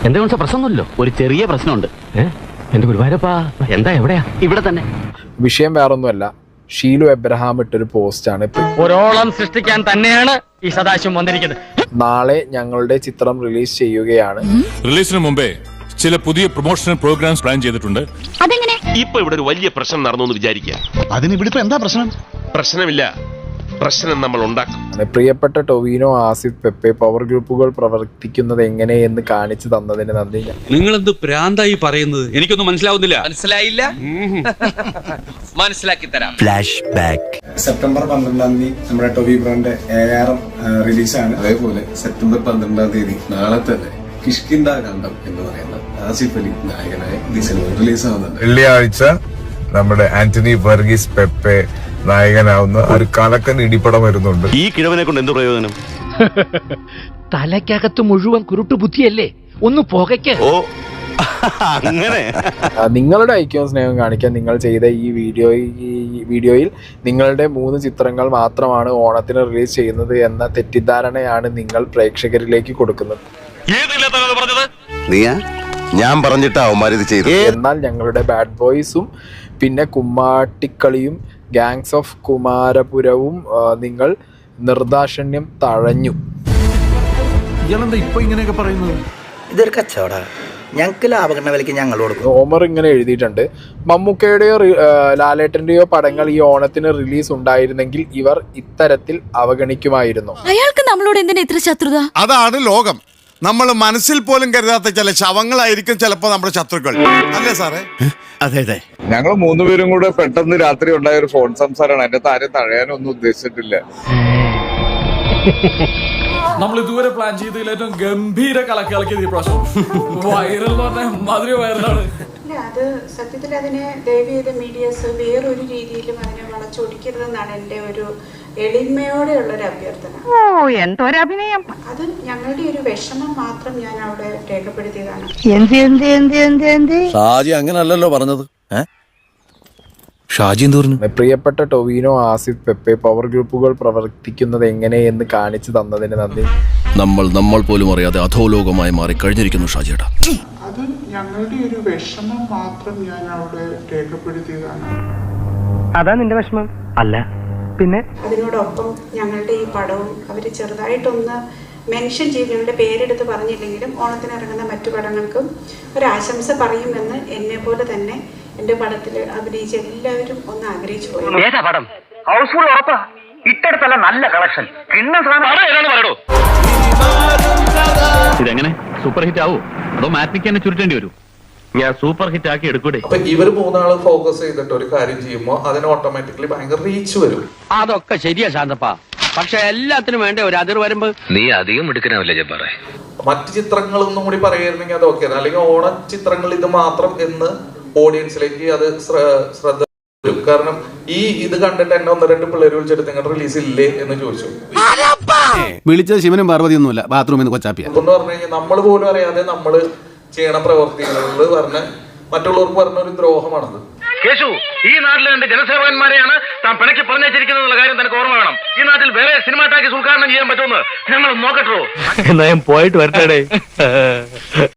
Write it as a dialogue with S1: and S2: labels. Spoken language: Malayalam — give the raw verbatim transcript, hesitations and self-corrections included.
S1: എന്തെങ്കിലും പ്രശ്നമൊന്നുമില്ലോ, ഒരു ചെറിയ പ്രശ്നമുണ്ട്. എന്റെ ഗുരുവായൂരപ്പാ, എന്താ എവിടെയാ? ഇവിടെ തന്നെ.
S2: വിഷയം വേറൊന്നുമല്ല, ഷീലു എബ്രഹാം ഇട്ടൊരു പോസ്റ്റാണ്.
S1: ഒരോളം സൃഷ്ടിക്കാൻ തന്നെയാണ് ഈ സദാശിവം വന്നിരിക്കുന്നത്.
S2: നാളെ ഞങ്ങളുടെ ചിത്രം റിലീസ് ചെയ്യുകയാണ്.
S3: റിലീസിന് മുമ്പേ ചില പുതിയ പ്രൊമോഷണൽ പ്രോഗ്രാംസ് പ്ലാൻ ചെയ്തിട്ടുണ്ട്.
S4: അതെങ്ങനെ? ഇപ്പൊ ഇവിടെ ഒരു വലിയ പ്രശ്നം നടന്നു എന്ന് വിചാരിക്കുക.
S5: അതിന് ഇവിടെ എന്താ പ്രശ്നം?
S4: പ്രശ്നമില്ല, പ്രശ്നം നമ്മൾ ഉണ്ടാക്കും.
S2: പ്രിയപ്പെട്ട ടൊവിനോ, ആസിഫ്, പെപ്പെ പവർ ഗ്രൂപ്പുകൾ പ്രവർത്തിക്കുന്നത് എങ്ങനെയെന്ന് കാണിച്ചു തന്നതിന് നന്ദി.
S6: നിങ്ങളെന്ത് പ്രാന്തായി പറയുന്നത്? എനിക്കൊന്നും മനസ്സിലാവുന്നില്ല.
S7: മനസ്സിലായില്ല? മനസ്സിലാക്കി തരാം.
S8: Flash back.
S9: സെപ്റ്റംബർ പന്ത്രണ്ടാം തീയതി നമ്മുടെ ടൊവി ബ്രോന്റെ ഏഴായിരം റിലീസാണ്. അതേപോലെ സെപ്റ്റംബർ പന്ത്രണ്ടാം തീയതി നാളെ തന്നെ കിഷ്കിന്ദ കാണ്ഡം എന്ന് പറയുന്ന ആസിഫ് അലി നായകനായ ഈ സിനിമ റിലീസ് ആവുന്നുണ്ട്.
S10: വെള്ളിയാഴ്ച നമ്മുടെ ആന്റണി വർഗീസ് പെപ്പെ നായകനാവുന്ന ഒരു കലക്കൻ ഇടിപ്പടം വരുന്നുണ്ട്.
S4: ഈ കിഴവനെ കൊണ്ട് എന്ത് പ്രയോജനം?
S1: തലയ്ക്കകത്ത് മുഴുവൻ കുരുട്ടു ബുദ്ധിയല്ലേ, ഒന്ന് പുകയ്ക്ക്.
S4: ഓ അങ്ങനെ.
S2: നിങ്ങളുടെ ഐക്യവും സ്നേഹവും കാണിക്കാൻ നിങ്ങൾ ചെയ്ത ഈ വീഡിയോ ഈ വീഡിയോയിൽ നിങ്ങളുടെ മൂന്ന് ചിത്രങ്ങൾ മാത്രമാണ് ഓണത്തിന് റിലീസ് ചെയ്യുന്നത് എന്ന തെറ്റിദ്ധാരണയാണ് നിങ്ങൾ പ്രേക്ഷകരിലേക്ക് കൊടുക്കുന്നത്.
S4: ഞാൻ പറഞ്ഞിട്ടാ അവന്മാരിത് ചെയ്തു.
S2: എന്നാൽ ഞങ്ങളുടെ ബാഡ് ബോയ്സും പിന്നെ കുമ്മാട്ടിക്കളിയും ഗാങ്സ് ഓഫ് കുമാരപുരവും നിങ്ങൾ നിർദാക്ഷിണ്യം തഴഞ്ഞു.
S5: ഇയാളെന്താ ഇപ്പൊ ഇങ്ങനെയൊക്കെ പറയുന്നത്?
S8: ഇതൊരു കച്ചവട, ഞങ്ങൾക്ക് ലാഭകരണ വിലയ്ക്ക് ഞങ്ങൾ കൊടുക്കും.
S2: ഓമർ ഇങ്ങനെ എഴുതിയിട്ടുണ്ട്: മമ്മൂക്കയുടെയോ ലാലേട്ടന്റെയോ പടങ്ങൾ ഈ ഓണത്തിന് റിലീസ് ഉണ്ടായിരുന്നെങ്കിൽ ഇവർ ഇത്തരത്തിൽ അവഗണിക്കുമായിരുന്നു.
S11: അയാൾക്ക് നമ്മളോട് എന്തിനാ ഇത്ര ശത്രുത?
S5: അതാണ് ലോകം. നമ്മൾ മനസ്സിൽ പോലും കരുതാത്ത ചില ശവങ്ങളായിരിക്കും ചിലപ്പോ നമ്മുടെ ശത്രുക്കൾ, അല്ലേ സാറേ?
S8: അതെ അതെ.
S10: ഞങ്ങൾ മൂന്നുപേരും കൂടെ പെട്ടെന്ന് രാത്രി ഉണ്ടായ ഒരു ഫോൺ സംസാരമാണ്. എന്റെ താരം തഴയാനൊന്നും ഉദ്ദേശിച്ചിട്ടില്ല.
S12: നമ്മൾ ഇതുവരെ പ്ലാൻ ചെയ്തതിൽ ഏറ്റവും ഗംഭീര കലക്കി കളിക്കിയത് ഈ പ്രാവശ്യം. വൈറൽ എന്ന് പറഞ്ഞാൽ മാതിരി വൈറലാണ്.
S13: അത് സത്യത്തിൽ അതിനെ ദയവ് ചെയ്ത് മീഡിയസ് വേറൊരു രീതിയിലും അതിനെ വളച്ചൊടിക്കരുതെന്നാണ് എൻ്റെ ഒരു എളിമയോടെയുള്ള ഒരു അഭ്യർത്ഥന.
S11: ഓ എന്തൊരഭിനയം!
S13: അത് ഞങ്ങളുടെ ഒരു വിഷമം മാത്രം ഞാൻ അവിടെ രേഖപ്പെടുത്തിയതാണ്.
S11: എന്ത് എന്ത് എന്ത് എന്ത് എന്ത്
S5: ഷാജി അങ്ങനല്ലല്ലോ പറഞ്ഞത്. ഷാജി എന്ത് പറഞ്ഞു?
S2: പ്രിയപ്പെട്ട ടൊവിനോ, ആസിഫ്, പെപ്പെ പവർ ഗ്രൂപ്പുകൾ പ്രവർത്തിക്കുന്നത് എങ്ങനെയെന്ന് കാണിച്ചു തന്നതിന് നന്ദി.
S5: നമ്മൾ നമ്മൾ പോലും അറിയാതെ അധോലോകമായി മാറി കഴിഞ്ഞിരിക്കുന്നു ഷാജിയേട്ടാ.
S13: അത് ഞങ്ങളുടെ ഒരു വിഷമം മാത്രം ഞാൻ അവിടെ രേഖപ്പെടുത്തിയതാണ്.
S1: അതാ നിന്റെ വിഷമം അല്ല പിന്നെ?
S13: അതിനോടൊപ്പം ഞങ്ങളുടെ ഈ പടവും അവർ ചെറുതായിട്ടൊന്ന് മെൻഷൻ ചെയ്ത് ഞങ്ങളുടെ പേരെടുത്ത് പറഞ്ഞില്ലെങ്കിലും ഓണത്തിന് ഇറങ്ങുന്ന മറ്റു പടങ്ങൾക്കും ഒരാശംസ പറയുമെന്ന് എന്നെ പോലെ തന്നെ എന്റെ പടത്തിൽ അഭിനയിച്ച എല്ലാവരും ഒന്ന് ആഗ്രഹിച്ചു പോയി.
S1: നല്ല കളക്ഷൻ. ഇതെങ്ങനെ സൂപ്പർ ഹിറ്റ് ആവോ അതോ മാറ്റിക്ക് തന്നെ ചുരുട്ടേണ്ടി വരും? ഞാൻ സൂപ്പർ ഹിറ്റ് ആക്കി എടുക്കൂടെ?
S12: അപ്പൊ ഇവർ മൂന്നാള് ഫോക്കസ് ചെയ്തിട്ട് ഒരു കാര്യം ചെയ്യുമ്പോൾ അതിന് ഓട്ടോമാറ്റിക്കലി ഭയങ്കര റീച്ച് വരും.
S1: അതൊക്കെ ശരിയാ ശാന്തപ്പാ, പക്ഷെ എല്ലാത്തിനും വേണ്ട ഒരു അതിർ വരുമ്പോ നീ അധികം എടുക്കണമല്ലേ ജബ്ബാറേ.
S12: മറ്റു ചിത്രങ്ങളൊന്നും കൂടി പറയായിരുന്നെങ്കിൽ അത് ഓക്കെ, അല്ലെങ്കിൽ ഓണ ചിത്രങ്ങൾ ഇത് മാത്രം എന്ന് ഓഡിയൻസിലേക്ക് അത് ശ്രദ്ധ വരും. കാരണം ഈ ഇത് കണ്ടിട്ട് എന്നെ ഒന്ന് രണ്ട് പിള്ളേർ വിളിച്ചിട്ട് നിങ്ങളുടെ റിലീസ് ഇല്ലേ എന്ന് ചോദിച്ചു.
S5: വിളിച്ചത് ശിവനും പാർവതി ഒന്നുമില്ല, ബാത്റൂമിൽ നിന്ന് കൊച്ചാപ്പിയ
S12: എന്ന് പറഞ്ഞു കഴിഞ്ഞാൽ നമ്മൾ പോലും അറിയാതെ നമ്മള് ചെയ്യണ പ്രവർത്തികളിൽ പറഞ്ഞ മറ്റുള്ളവർക്ക് പറഞ്ഞ ഒരു ദ്രോഹമാണത്.
S1: കേശു, ഈ നാട്ടിലെ രണ്ട് ജനസേവകന്മാരെയാണ് താൻ പിണക്കി പറഞ്ഞിരിക്കുന്ന കാര്യം തനിക്ക് ഓർമ്മ വേണം. ഈ നാട്ടിൽ വേറെ സിനിമ ടാക്കീസ് ഉദ്ഘാടനം ചെയ്യാൻ പറ്റുമെന്ന് ഞങ്ങൾ നോക്കട്ടോ. എന്നാ ഞാൻ പോയിട്ട് വരട്ടെ.